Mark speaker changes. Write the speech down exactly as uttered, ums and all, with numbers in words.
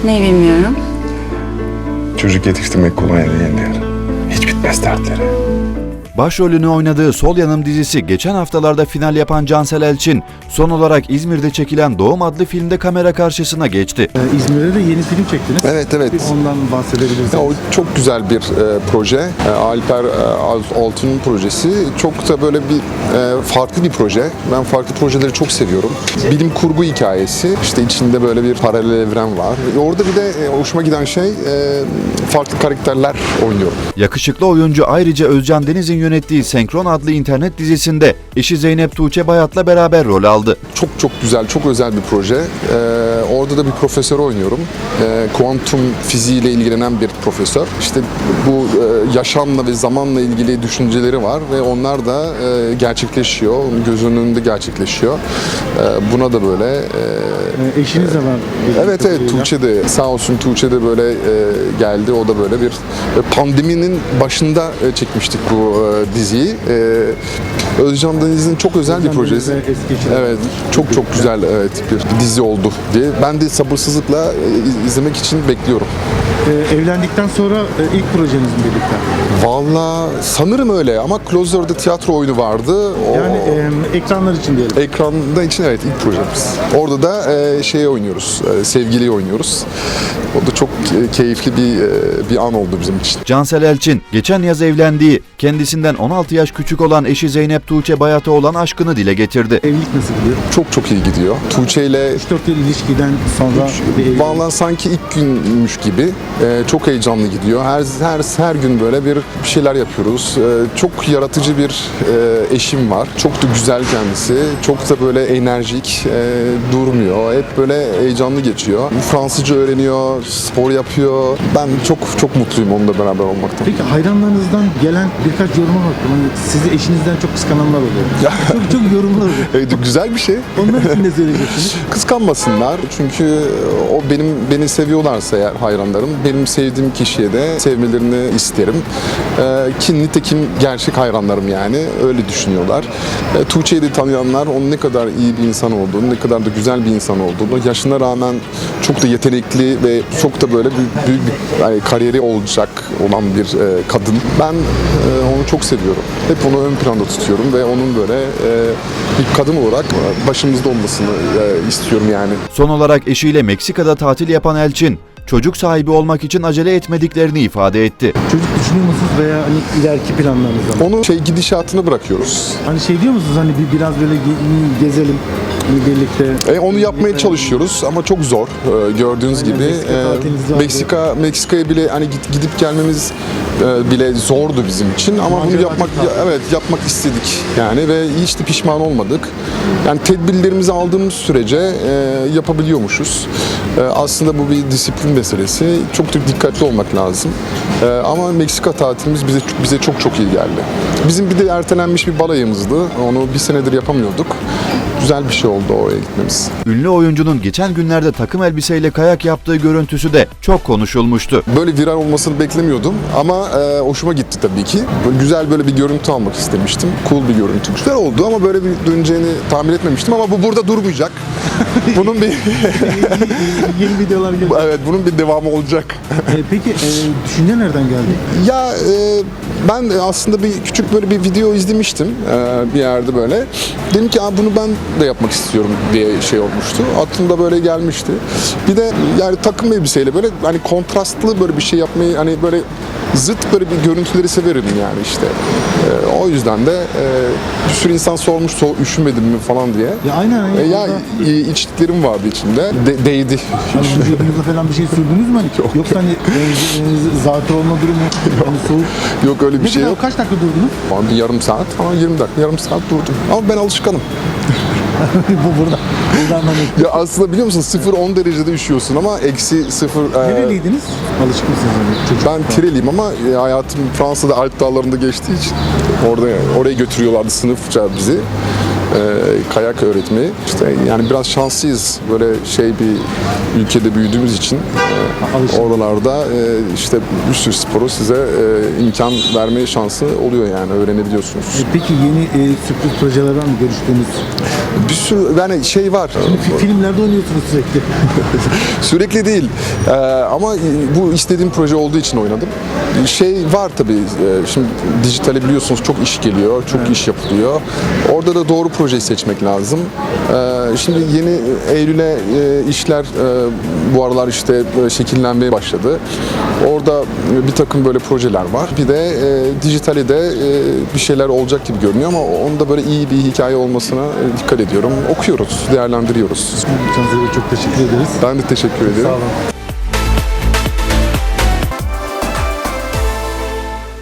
Speaker 1: Ne bilmiyorum.
Speaker 2: Çocuk yetiştirmek kolay değildir. Hiç bitmez dertleri.
Speaker 3: Başrolünü oynadığı Sol Yanım dizisi geçen haftalarda final yapan Cansel Elçin, son olarak İzmir'de çekilen Doğum adlı filmde kamera karşısına geçti.
Speaker 4: Ee, İzmir'de de yeni film çektiniz.
Speaker 2: Evet evet.
Speaker 4: Bir ondan bahsedebilirsiniz.
Speaker 2: Ya, o çok güzel bir e, proje. E, Alper e, Altun'un projesi. Çok da böyle bir e, farklı bir proje. Ben farklı projeleri çok seviyorum. Bilim kurgu hikayesi. İşte içinde böyle bir paralel evren var. E, orada bir de e, hoşuma giden şey e, farklı karakterler oynuyorum.
Speaker 3: Yakışıklı oyuncu ayrıca Özcan Deniz'in yönettiği Senkron adlı internet dizisinde eşi Zeynep Tuğçe Bayat'la beraber rol aldı.
Speaker 2: Çok çok güzel, çok özel bir proje. Ee, orada da bir profesör oynuyorum. Ee, kuantum fiziğiyle ilgilenen bir profesör. İşte bu e, yaşamla ve zamanla ilgili düşünceleri var ve onlar da e, gerçekleşiyor. Onun gözünün önünde gerçekleşiyor. Ee, buna da böyle... E,
Speaker 4: Ee, eşiniz de var.
Speaker 2: Evet evet, Tuğçe de sağ olsun, Tuğçe de böyle e, geldi. O da böyle bir e, pandeminin başında e, çekmiştik bu e, diziyi. E, Özcan Deniz'in çok özel
Speaker 4: Özcan
Speaker 2: bir projesi.
Speaker 4: Deniz'le eski eşiniz.
Speaker 2: Evet, çok çok güzel, evet, bir dizi oldu diye. Ben de sabırsızlıkla e, izlemek için bekliyorum.
Speaker 4: Ee, evlendikten sonra e, ilk projeniz mi birlikte?
Speaker 2: Vallahi sanırım öyle ama Closer'da tiyatro oyunu vardı. O,
Speaker 4: Yani e, ekranlar için diyelim.
Speaker 2: ekranda için evet ilk projemiz. Orada da e, şey oynuyoruz, e, sevgiliyi oynuyoruz. O da çok e, keyifli bir e, bir an oldu bizim için.
Speaker 3: Cansel Elçin, geçen yaz evlendiği, kendisinden on altı yaş küçük olan eşi Zeynep Tuğçe Bayat'a olan aşkını dile getirdi.
Speaker 4: Evlilik nasıl gidiyor?
Speaker 2: Çok çok iyi gidiyor. Tuğçe ile
Speaker 4: üç dört yıl ilişkiden sonra bir evlilik.
Speaker 2: vallahi sanki ilk günmüş gibi. Ee, çok heyecanlı gidiyor. Her her her gün böyle bir bir şeyler yapıyoruz. Ee, çok yaratıcı bir e, eşim var. Çok da güzel kendisi. Çok da böyle enerjik, e, durmuyor. Hep böyle heyecanlı geçiyor. Fransızca öğreniyor, spor yapıyor. Ben çok çok mutluyum onunla beraber olmaktan.
Speaker 4: Peki hayranlarınızdan gelen birkaç yoruma baktım. Hani sizi eşinizden çok kıskananlar oluyor. çok çok yorumlar oluyor.
Speaker 2: Evet, güzel bir şey.
Speaker 4: Onlar için ne söyleyeceksiniz?
Speaker 2: Kıskanmasınlar çünkü o benim beni seviyorlarsa eğer hayranlarım, benim sevdiğim kişiye de sevmelerini isterim. Ee, ki nitekim gerçek hayranlarım yani öyle düşünüyorlar. Ee, Tuğçe'yi de tanıyanlar onun ne kadar iyi bir insan olduğunu, ne kadar da güzel bir insan olduğunu, yaşına rağmen çok da yetenekli ve çok da böyle büyük, büyük bir yani kariyeri olacak olan bir e, kadın. Ben e, onu çok seviyorum. Hep onu ön planda tutuyorum ve onun böyle e, bir kadın olarak başımızda olmasını e, istiyorum yani.
Speaker 3: Son olarak eşiyle Meksika'da tatil yapan Elçin, çocuk sahibi olmak için acele etmediklerini ifade etti.
Speaker 4: Çocuk düşünüyor musunuz veya hani ileriki planlarınızda mı?
Speaker 2: Onu şey gidişatını bırakıyoruz.
Speaker 4: Hani şey diyor musunuz hani bir biraz böyle ge- gezelim hani birlikte?
Speaker 2: E, onu yapmaya çalışıyoruz ama çok zor. E, gördüğünüz
Speaker 4: Aynen,
Speaker 2: gibi
Speaker 4: Meksika
Speaker 2: e,
Speaker 4: tatiliniz vardı.
Speaker 2: Meksika Meksika'ya bile hani git, gidip gelmemiz e, bile zordu bizim için ama bunu
Speaker 4: Macera
Speaker 2: yapmak
Speaker 4: tatil.
Speaker 2: ya- evet yapmak istedik yani ve hiç de pişman olmadık. Yani tedbirlerimizi aldığımız sürece e, yapabiliyormuşuz. E, aslında bu bir disiplin meselesi. Çok da dikkatli olmak lazım. E, ama Meksika tatilimiz bize bize çok çok iyi geldi. Bizim bir de ertelenmiş bir balayımızdı. Onu bir senedir yapamıyorduk. Güzel bir şey oldu oraya gitmemiz.
Speaker 3: Ünlü oyuncunun geçen günlerde takım elbiseyle kayak yaptığı görüntüsü de çok konuşulmuştu.
Speaker 2: Böyle viral olmasını beklemiyordum ama e, hoşuma gitti tabii ki. Böyle güzel böyle bir görüntü almak istemiştim. Cool bir görüntü. Güzel oldu ama böyle bir döneceğini tahmin etmemiştim ama bu burada durmayacak. Bunun bir
Speaker 4: Yeni videolar geliyor.
Speaker 2: evet bunun bir devamı olacak.
Speaker 4: E, peki e, düşünce nereden geldi?
Speaker 2: Ya e, ben de aslında bir küçük böyle bir video izlemiştim e, bir yerde böyle. Dedim ki bunu ben de yapmak istiyorum diye şey olmuştu. Aklımda böyle gelmişti. Bir de yani takım elbiseyle böyle hani kontrastlı böyle bir şey yapmayı hani böyle zıt böyle bir görüntüleri severim yani işte. E, o yüzden de e, bir sürü insan sormuş so üşümedin mi falan diye.
Speaker 4: Ya aynen.
Speaker 2: E, ya
Speaker 4: orada-
Speaker 2: e, içliklerim vardı içinde. De, değdi.
Speaker 4: Hani vücudunuza falan bir şey sürdünüz mü? Hani? Yoksa hani e, zatı olma durumu hani soğuk.
Speaker 2: Yok öyle bir
Speaker 4: Ne
Speaker 2: şey
Speaker 4: kadar,
Speaker 2: yok.
Speaker 4: kaç dakika durdunuz?
Speaker 2: Ama bir yarım saat ama yirmi dakika yarım saat durdum. Ama ben alışkanım.
Speaker 4: Bu burada. Buradan hani.
Speaker 2: Ya aslında biliyor musun sıfır on derecede üşüyorsun ama eksi sıfır... e,
Speaker 4: Nereliydiniz? Alışık mısınız? Hani çocuk?
Speaker 2: ben Tireliyim ama e, hayatım Fransa'da Alp Dağları'nda geçtiği için orada oraya götürüyorlardı sınıfça bizi. kayak öğretmeyi. İşte yani biraz şanslıyız. Böyle şey bir ülkede büyüdüğümüz için e,
Speaker 4: Alışın.
Speaker 2: oralarda e, işte bir sürü sporu size e, imkan vermeye şansı oluyor yani öğrenebiliyorsunuz.
Speaker 4: E, Peki yeni e, sürpriz projeler var mı görüştüğünüz?
Speaker 2: Bir sürü yani şey var.
Speaker 4: Fi- Filmlerde oynuyorsunuz sürekli.
Speaker 2: Sürekli değil. Ee, ama bu istediğim proje olduğu için oynadım. Şey var tabii. e, Şimdi dijitale biliyorsunuz çok iş geliyor, çok iş yapılıyor. Orada da doğru projeyi seçmek lazım. Ee, Şimdi yeni Eylül'e e, işler e, bu aralar işte e, şekillenmeye başladı. Orada bir takım böyle projeler var. Bir de e, dijitale de e, bir şeyler olacak gibi görünüyor ama onda böyle iyi bir hikaye olmasına e, dikkat ediyorum. Okuyoruz, değerlendiriyoruz.
Speaker 4: Cansel'e çok teşekkür ederiz.
Speaker 2: Ben de teşekkür ederim.
Speaker 4: Sağ olun.